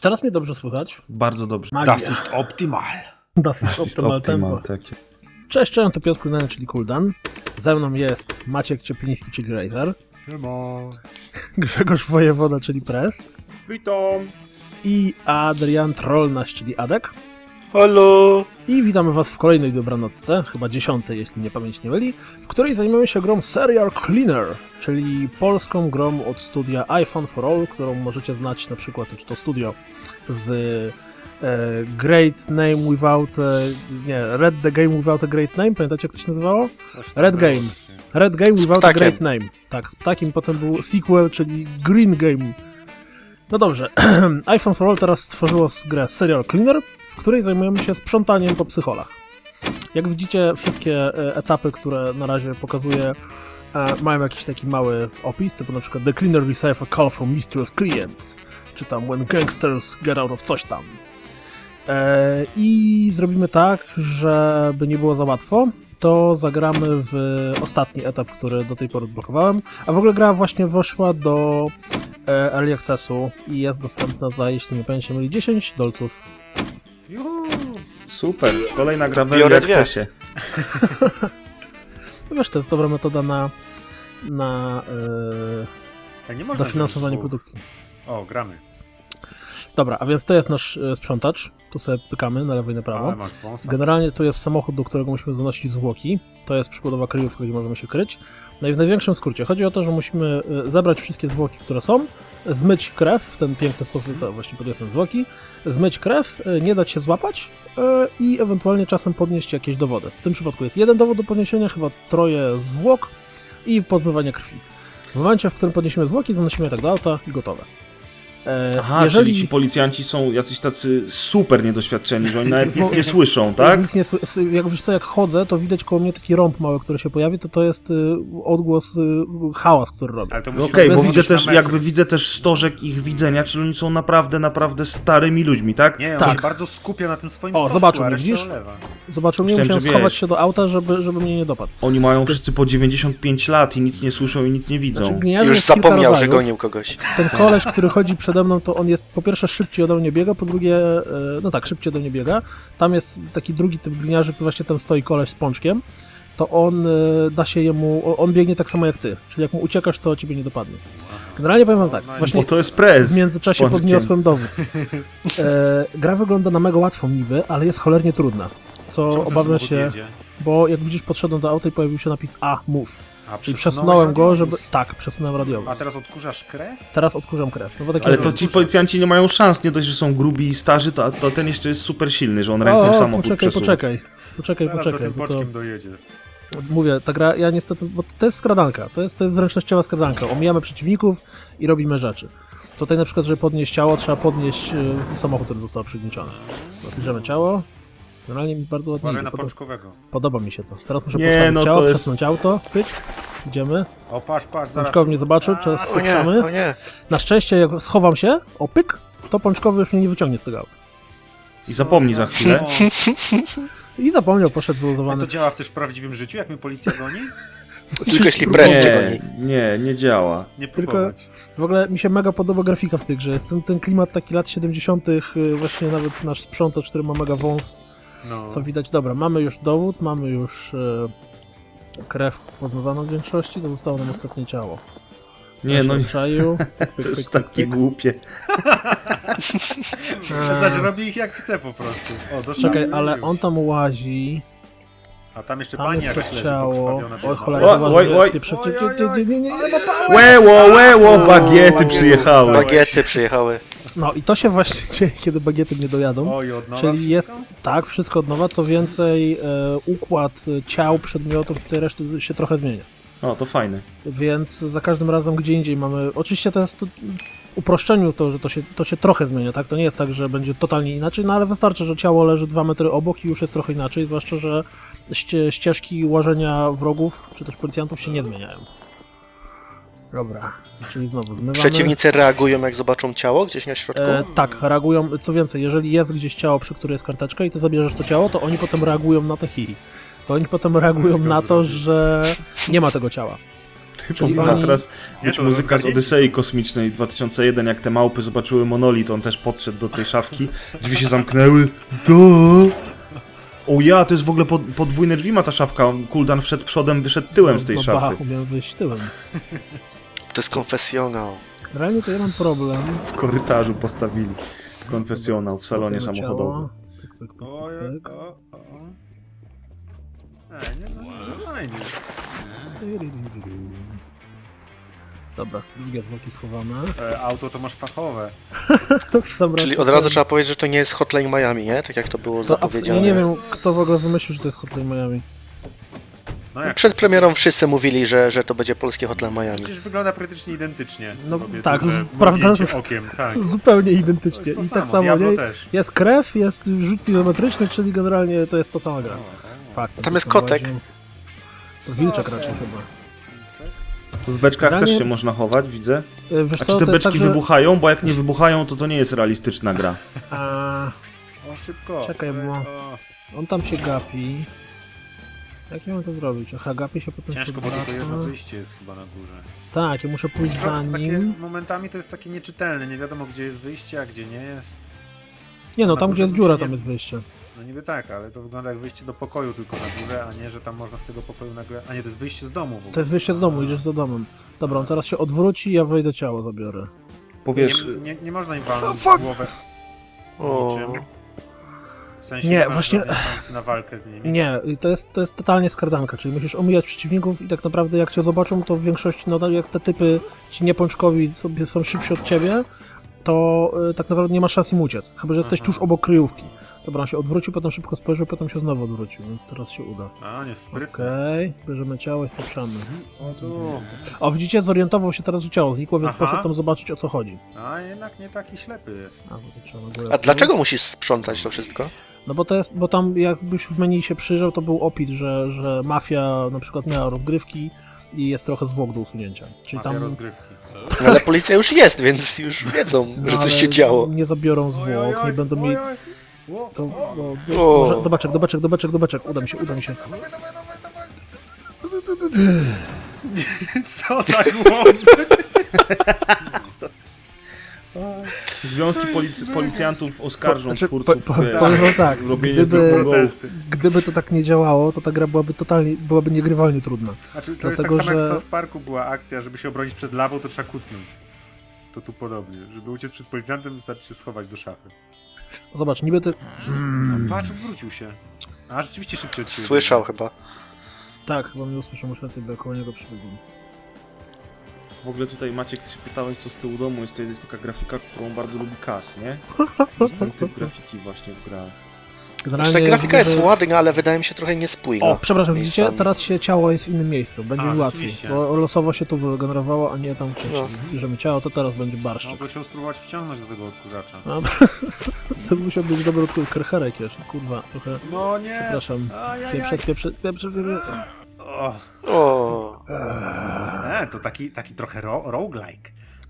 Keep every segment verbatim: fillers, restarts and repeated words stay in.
teraz mnie dobrze słychać? Bardzo dobrze. Magia. Das ist optimal. Das ist Das ist optimal optimal, tempo. tak. Cześć, cześć, to Piotr Kulnany, czyli Kuldan. Ze mną jest Maciek Ciepliński, czyli Razer. Siema. Grzegorz Wojewoda, czyli Press. Witam. I Adrian Trollnaś, czyli Adek. Halo! I witamy was w kolejnej dobranocce, chyba dziesiątej, jeśli mnie pamięć nie myli, w której zajmiemy się grą Serial Cleaner, czyli polską grą od studia iPhone for All, którą możecie znać na przykład, czy to studio z e, Great Name Without... E, nie, Red the Game Without a Great Name, pamiętacie jak to się nazywało? Red Game. Red Game Without a Great Name. Tak, z ptakiem, potem był sequel, czyli Green Game. No dobrze, iPhone for All teraz stworzyło grę Serial Cleaner, w której zajmujemy się sprzątaniem po psycholach. Jak widzicie, wszystkie etapy, które na razie pokazuję, mają jakiś taki mały opis, typu na przykład The Cleaner receives a call from mysterious client, czy tam When gangsters get out of coś tam. I zrobimy tak, żeby nie było za łatwo, to zagramy w ostatni etap, który do tej pory odblokowałem, a w ogóle gra właśnie weszła do Early Accessu i jest dostępna za, jeśli nie pamiętam, myli dziesięć dolców. Juhu, super, kolejna gra w Biorę Early dwie. Accessie. No wiesz, to jest dobra metoda na, na A nie yy, można dofinansowanie wziąć dwóch. produkcji. O, gramy. Dobra, a więc to jest nasz e, sprzątacz. Tu sobie pykamy na lewo i na prawo. Ale masz wąsa. Generalnie tu jest samochód, do którego musimy zanosić zwłoki. To jest przykładowa kryjówka, gdzie możemy się kryć. No i w największym skrócie chodzi o to, że musimy e, zebrać wszystkie zwłoki, które są, zmyć krew w ten piękny sposób, to właśnie podniosłem zwłoki, zmyć krew, e, nie dać się złapać e, i ewentualnie czasem podnieść jakieś dowody. W tym przypadku jest jeden dowód do podniesienia, chyba troje zwłok i pozmywanie krwi. W momencie, w którym podniesiemy zwłoki, zanosimy je tak do auta i gotowe. E, Aha, jeżeli... czyli ci policjanci są jacyś tacy super niedoświadczeni, że oni nawet nic nie słyszą, tak? Nic nie, sły- jak wiesz co, jak chodzę, to widać koło mnie taki rąb mały, który się pojawi, to to jest y, odgłos, y, hałas, który robi. Ale to Okej, musi okay, być bo na widzę metr. też, jakby widzę też stożek ich widzenia, czyli oni są naprawdę, naprawdę starymi ludźmi, tak? Nie, on Tak. się bardzo skupia na tym swoim O, stożku, zobaczył a mnie, resztę widzisz? olewa. Zobaczył mnie, Myślałem, musiałem że schować wiesz. się do auta, żeby, żeby mnie nie dopadł. Oni mają wszyscy po dziewięćdziesiąt pięć lat i nic nie słyszą i nic nie widzą. Znaczy, gliniarzy Już jest kilka zapomniał, że rodzajów. gonił kogoś. Ten koleś, który chodzi przede mną, to on jest po pierwsze szybciej ode mnie biega, po drugie, e, no tak, szybciej ode mnie biega. Tam jest taki drugi typ gliniarzy, który właśnie tam stoi koleś z pączkiem. To on e, da się jemu, on biegnie tak samo jak ty. Czyli jak mu uciekasz, to ciebie nie dopadnie. Generalnie powiem wam tak, właśnie Bo to jest prez. w międzyczasie z pączkiem. podniosłem dowód. E, gra wygląda na mega łatwą niby, ale jest cholernie trudna. Co Czemu ten obawiam samochód się, jedzie? bo jak widzisz, podszedłem do auta i pojawił się napis A, move. A, Czyli przesunąłeś przesunąłem go, żeby... radiowóz? Tak, przesunąłem radiowóz. A teraz odkurzasz krew? Teraz odkurzam krew. No bo takie Ale rzeczy. to ci policjanci nie mają szans, nie dość, że są grubi i starzy, to, to ten jeszcze jest super silny, że on O, ręką o, samochód poczekaj, przesuwa. poczekaj. Poczekaj, Zaraz do poczekaj. tym Bo to, boczkiem dojedzie. mówię, ta gra, ja niestety, bo to jest skradanka. To jest, to jest zręcznościowa skradanka. Omijamy przeciwników i robimy rzeczy. Tutaj na przykład, żeby podnieść ciało, trzeba podnieść y, samochód, który został przygnieciony. Bierzemy ciało. Generalnie mi bardzo ładnie Uważaj idzie. na Podoba, pączkowego. podoba mi się to. Teraz muszę Nie, postawić no ciało, to jest- przesunąć auto. Pyk. Idziemy. O, patrz, patrz, zaraz. Pączkowy mnie zobaczył, teraz O nie, spieprzamy. o nie. Na szczęście, jak schowam się, o pyk, to pączkowy już mnie nie wyciągnie z tego auta. I zapomnij za chwilę. I zapomniał, poszedł A wyluzowany. to działa też w prawdziwym życiu, jak mnie policja goni? Tylko jeśli prez cię Nie, goni. nie, nie działa. Nie Tylko- próbować. W ogóle mi się mega podoba grafika w tej grze. Jest ten, ten klimat taki lat siedemdziesiątych, y, właśnie nawet nasz sprzątacz, który ma mega wąs, No. co widać. Dobra, mamy już dowód, mamy już y, krew podmywaną w większości, to zostało nam ostatnie ciało. Nie, Ja no się nie, odczaił. Pyk, to pyk, jest pyk, takie pyk. głupie. Znaczy robi ich jak chce po prostu. O, doszło. Czekaj, ale on tam łazi, A tam jeszcze tam pani jest jakaś to leży ciało. pokrwawiona. Oj, biedna. cholera, Oj, uważaj, oj, że oj. jest pieprze- Oj, oj, oj. nie, nie, nie, Ale nie. ma pałę! Łeło, łeło, bagiety przyjechały. Bagiety przyjechały. No i to się właśnie dzieje, kiedy bagiety nie dojadą. Oj, od nowa Czyli wszystko? jest, tak, wszystko od nowa, co więcej, e, układ e, ciał, przedmiotów i tej reszty z- się trochę zmienia. O, to fajne. Więc za każdym razem gdzie indziej mamy... Oczywiście to jest to, w uproszczeniu to, że to się, to się trochę zmienia, tak? To nie jest tak, że będzie totalnie inaczej, no ale wystarczy, że ciało leży dwa metry obok i już jest trochę inaczej, zwłaszcza, że ście, ścieżki łażenia wrogów, czy też policjantów się nie zmieniają. Dobra, czyli znowu zmywamy. Przeciwnicy reagują, jak zobaczą ciało gdzieś na środku? E, tak, reagują, co więcej, jeżeli jest gdzieś ciało, przy której jest karteczka i ty zabierzesz to ciało, to oni potem reagują na to hi. To oni potem reagują na to, że nie ma tego ciała. Czyli Powinna oni- teraz Nie, być to muzyka z rozgarnięci Odysei Kosmicznej dwa tysiące jeden, jak te małpy zobaczyły monolit, on też podszedł do tej szafki, drzwi się zamknęły. Do. O ja, to jest w ogóle pod, podwójne drzwi ma ta szafka, Kuldan wszedł przodem, wyszedł tyłem z tej no, szafy. Bachu miał wyjść tyłem. To jest konfesjonał. Realnie to ja mam problem. W korytarzu postawili konfesjonał w salonie Kopiemy samochodowym. ciało. Pyk, pyk, pyk, O, pyk. o, o. Ej, nie, no, no, fajnie. Dobra, drugie zwłoki schowane. E, auto to masz fachowe. W sam raz Czyli od kupiłem. razu trzeba powiedzieć, że to nie jest Hotline Miami, nie? Tak jak to było To abs- zapowiedziane. ja nie wiem, kto w ogóle wymyślił, że to jest Hotline Miami. No jak? Przed premierą wszyscy mówili, że, że to będzie polskie Hotline Miami. Przecież wygląda praktycznie identycznie. No Robię tak, duże z- prawda, mrugnięcie z- okiem, tak. Zupełnie To identycznie. jest to I samo, tak samo, Diablo nie? też. Jest krew, jest rzut kilometryczny, czyli generalnie to jest ta sama gra. Fakt. Tam jest kotek. To wilczek raczej chyba. W beczkach Generalnie- też się można chować, widzę. E, Wiesz A co, czy te to jest beczki tak, że... wybuchają? Bo jak nie wybuchają, to to nie jest realistyczna gra. A, O, szybko. Czekaj, E, bo- o, on tam się gapi. Jak ja mam to zrobić? Aha, gapi się potem Ciężko, się bo tylko odwraca. jedno wyjście jest chyba na górze. Tak, ja muszę pójść za To takie, nim. momentami to jest takie nieczytelne, nie wiadomo gdzie jest wyjście, a gdzie nie jest. Nie no, na tam górze gdzie jest bym dziura, się tam nie- jest wyjście. No niby tak, ale to wygląda jak wyjście do pokoju tylko na górze, a nie, że tam można z tego pokoju nagle... A nie, to jest wyjście z domu w ogóle. To jest wyjście z domu, idziesz za domem. Dobra, on teraz się odwróci, ja wejdę ciało zabiorę. Powiesz, Nie, nie, nie można im walnąć fuck! w głowę O. niczym. W sensie Nie, nie masz właśnie- żadnej szansy na walkę z nimi. Nie, i to jest, to jest totalnie skardanka, czyli musisz omijać przeciwników i tak naprawdę jak cię zobaczą, to w większości, no jak te typy ci niepączkowi sobie są szybsi od ciebie, to y, tak naprawdę nie ma szans im uciec, chyba że jesteś Aha. tuż obok kryjówki. Dobra, on się odwrócił, potem szybko spojrzał, potem się znowu odwrócił, więc teraz się uda. A, nie, sprytny. Okej, bierzemy ciało i spieprzamy. O tu. O, widzicie, zorientował się teraz, że ciało znikło, więc Aha. poszedł tam zobaczyć, o co chodzi. A jednak nie taki ślepy jest. A, bo to trzeba na górę A pójść. dlaczego musisz sprzątać to wszystko? No bo to jest, bo tam jakbyś w menu się przyjrzał, to był opis, że, że mafia na przykład miała rozgrywki i jest trochę zwłok do usunięcia. Czyli Mafia tam rozgrywki. No, ale policja już jest, więc już wiedzą, no, że coś ale się działo. Nie zabiorą Oj, oj, zwłok, oj, nie będą oj, mieli. oj. O, To, o. no, O. może, do beczek, do beczek, do beczek, do beczek, uda mi się, uda mi się. Dawaj, dawaj, dawaj, dawaj. Co za głąb? związki polic- policjantów oskarżą Znaczy, twórców po- po- e, powiem wam tak, robienie gdyby- z drugą Protesty. Gdyby to tak nie działało, to ta gra byłaby totalnie, byłaby niegrywalnie trudna. Znaczy, to Dlatego, jest tak samo że- jak w South Parku była akcja, żeby się obronić przed lawą, to trzeba kucnąć. To tu podobnie. Żeby uciec przed policjantem, wystarczy się schować do szafy. Zobacz, niby ty... Mm, Patrz, odwrócił się. A, rzeczywiście szybciej od ciebie. Słyszał chyba. tak, chyba mnie usłyszał, muszę rację, bo ja koło niego przebiegłem. W ogóle tutaj Maciek się pytałeś, co z tyłu domu jest, to jest taka grafika, którą bardzo lubi Kas, nie? Jest ten typ grafiki właśnie w grach. Generalnie Znaczy, ta grafika widzę, jest że- ładna, ale wydaje mi się trochę niespójna. O, przepraszam, widzicie? miejscami. Teraz się ciało jest w innym miejscu, będzie A, mi łatwiej, rzeczywiście. bo losowo się tu wygenerowało, a nie tam wcześniej. No. Bierzemy ciało, to teraz będzie barszczyk. Mogę się spróbować wciągnąć do tego odkurzacza. No, to musiał być dobry od kercherek jeszcze, kurwa, trochę, No nie! przepraszam. Ajajaj. Pieprze, pieprze, pieprze, pieprze. O, O, e, to taki, taki trochę ro roguelike.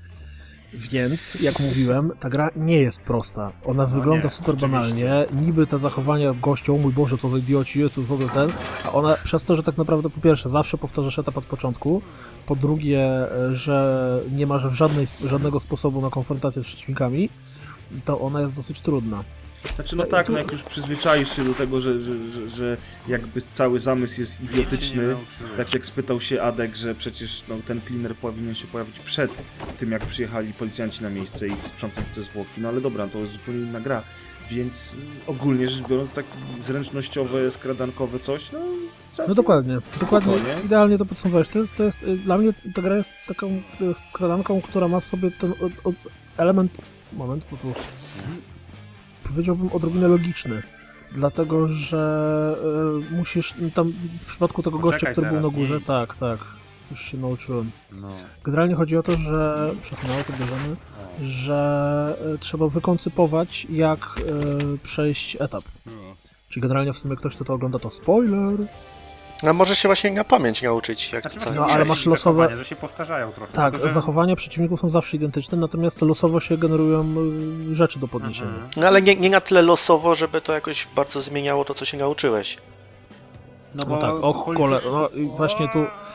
Więc, jak mówiłem, ta gra nie jest prosta. Ona wygląda nie, super oczywiście. banalnie. Niby te zachowania gościa, o mój Boże, to za idioci, to w ogóle ten. A ona przez to, że tak naprawdę po pierwsze zawsze powtarzasz etap od początku, po drugie, że nie masz żadnej, żadnego sposobu na konfrontację z przeciwnikami, to ona jest dosyć trudna. Znaczy no tak, no jak już przyzwyczaisz się do tego, że, że, że, że jakby cały zamysł jest Nic się nie idiotyczny, nauczyłem. tak jak spytał się Adek, że przecież no, ten cleaner powinien się pojawić przed tym, jak przyjechali policjanci na miejsce i sprzątać te zwłoki, no ale dobra, to jest zupełnie inna gra, więc y, ogólnie rzecz biorąc, tak zręcznościowe, skradankowe coś, no... całkiem No dokładnie, dokładnie, spokojnie. idealnie to podsumowałeś. To jest, to jest, y, dla mnie ta gra jest taką y, skradanką, która ma w sobie ten o, o, element, moment, bo tu powiedziałbym odrobinę logiczny, dlatego że y, musisz tam w przypadku tego gościa, Poczekaj który był teraz, na górze, nie idź. tak, tak, już się nauczyłem. No. Generalnie chodzi o to, że przesunęło to bierzemy, O. że y, trzeba wykoncypować, jak y, przejść etap. Czyli generalnie w sumie ktoś, kto to ogląda, to spoiler. no może się właśnie na pamięć nauczyć, jak Znaczy, to. właśnie No, ale muszę masz iść losowe- zachowania, że się powtarzają trochę. Tak, tylko, że... zachowania przeciwników są zawsze identyczne, natomiast losowo się generują y, rzeczy do podniesienia. Mhm. No ale nie, nie na tyle losowo, żeby to jakoś bardzo zmieniało to, co się nauczyłeś. No, No tak, och, policja- kole, no i właśnie tu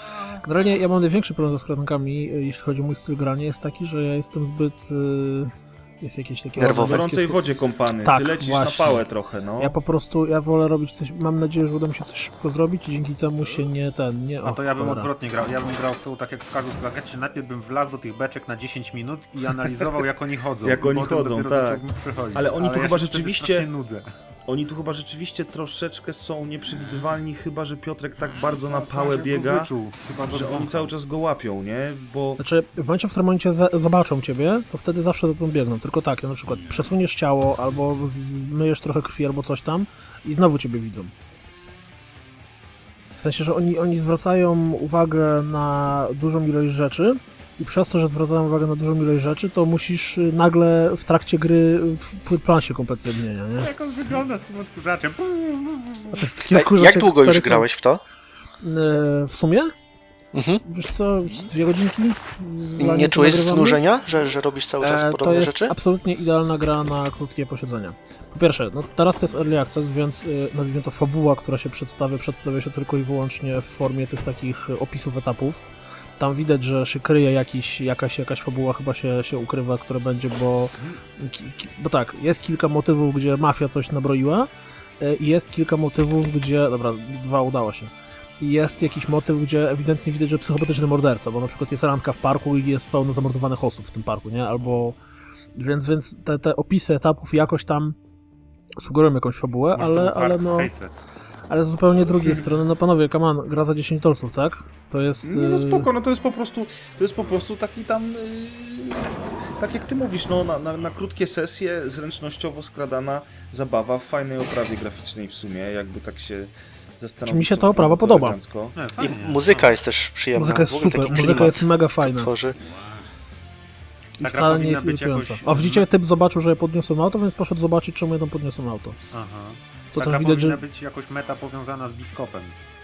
Generalnie ja mam największy problem ze skradankami, y, jeśli chodzi o mój styl grania, jest taki, że ja jestem zbyt... Y, jest jakieś takie... Nerwowy. W gorącej wodzie kąpany, Tak, ty lecisz właśnie. na pałę trochę, no. Ja po prostu, ja wolę robić coś, mam nadzieję, że uda mi się coś szybko zrobić i dzięki temu się nie ten, nie... A to o, ja bym cholera. odwrotnie grał. Ja bym grał w to tak jak w każdą skradankę, czyli najpierw bym wlazł do tych beczek na dziesięć minut i analizował jak oni chodzą. Jak I oni potem chodzą, dopiero tak. zacząłbym przechodzić. Ale oni tu ja chyba się wtedy rzeczywiście- strasznie nudzę. Oni tu chyba rzeczywiście troszeczkę są nieprzewidywalni, chyba że Piotrek tak bardzo na Tak, pałę żeby go biega, wyczuł. Chyba go że oni zwąchał. cały czas go łapią, nie? Bo Znaczy, w momencie, w którym oni cię za zobaczą ciebie, to wtedy zawsze za tą biegną. Tylko tak, na przykład przesuniesz ciało, albo zmyjesz trochę krwi, albo coś tam i znowu ciebie widzą. W sensie, że oni, oni zwracają uwagę na dużą ilość rzeczy i przez to, że zwracają uwagę na dużą ilość rzeczy, to musisz y, nagle w trakcie gry y, plan się kompletnie zmienia, nie? Jak on wygląda z tym odkurzaczem. A to jest taki Ej, odkurzacz jak długo już stary klan. grałeś w to? Y, W sumie? Mhm. Wiesz co, z dwie godzinki? zanim Nie to czułeś nagrywamy? znużenia, że, że robisz cały czas E, podobne to jest rzeczy? absolutnie idealna gra na krótkie posiedzenia. Po pierwsze, no teraz to jest Early Access, więc y, nazwijmy to fabuła, która się przedstawia, przedstawia się tylko i wyłącznie w formie tych takich y, opisów etapów. Tam widać, że się kryje jakiś, jakaś, jakaś fabuła chyba się, się ukrywa, która będzie, bo, ki, ki, bo tak, jest kilka motywów, gdzie mafia coś nabroiła y, i jest kilka motywów, gdzie, dobra, dwa udało się. I jest jakiś motyw, gdzie ewidentnie widać, że psychopatyczny morderca, bo na przykład jest randka w parku i jest pełno zamordowanych osób w tym parku, nie? Albo... Więc, więc te, te opisy etapów jakoś tam sugerują jakąś fabułę, Może to ale, był ale Parks no... Hatred. Ale z zupełnie drugiej strony, no panowie, come on, gra za dziesięć dolców, tak? To jest... nie no y, spoko, no to jest po prostu, to jest po prostu taki tam, yy, tak jak ty mówisz, no na, na, na krótkie sesje, zręcznościowo skradana zabawa w fajnej oprawie graficznej w sumie, jakby tak się zastanowić. Czy mi się to ta oprawa bardzo podoba? elegancko. Nie, I fajnie. muzyka jest też przyjemna. Muzyka jest W ogóle super, taki muzyka klimat jest mega fajna. Tworzy. I Ta gra wcale nie powinna jest być irytująca. jakoś- A widzicie, typ zobaczył, że ja podniosłem auto, więc poszedł zobaczyć, czemu ja tam podniosłem auto. Aha. To Taka też widać, powinna że... być jakoś meta powiązana z Bitkopem.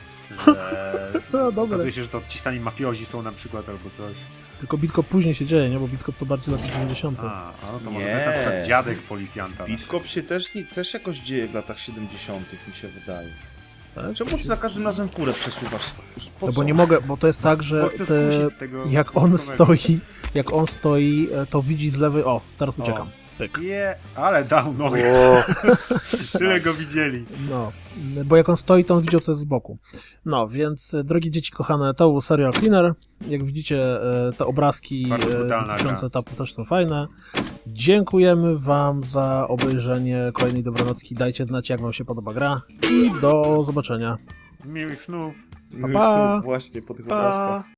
Że No, dobre. okazuje się, że to ci sami mafiozi są na przykład albo coś. Tylko Bitkop później się dzieje, nie? Bo Bitkop to bardziej lata dziewięćdziesiąte. A, a no to może Nie. to jest na przykład dziadek policjanta. Bitkop się też, nie- też jakoś dzieje w latach siedemdziesiątych mi się wydaje. Tak? Czemu ty za każdym razem furę przesuwasz? Po No co? bo nie mogę, bo to jest tak, że Bo chcę te, skusić tego jak on bitkowego. stoi, jak on stoi, e, to widzi z lewej, o, teraz uciekam. Pyk. Je, ale dał nogę. O, Tyle go widzieli. No, bo jak on stoi, to on widział, co jest z boku. No, więc e, drogie dzieci kochane, to był Serial Cleaner. Jak widzicie, e, te obrazki Bardzo e, brutalna dotyczące gra. etapu też są fajne. Dziękujemy wam za obejrzenie kolejnej Dobranocki. Dajcie znać, jak wam się podoba gra i do zobaczenia. Miłych snów. No Pa, pa. Właśnie po tych pa. obrazkach.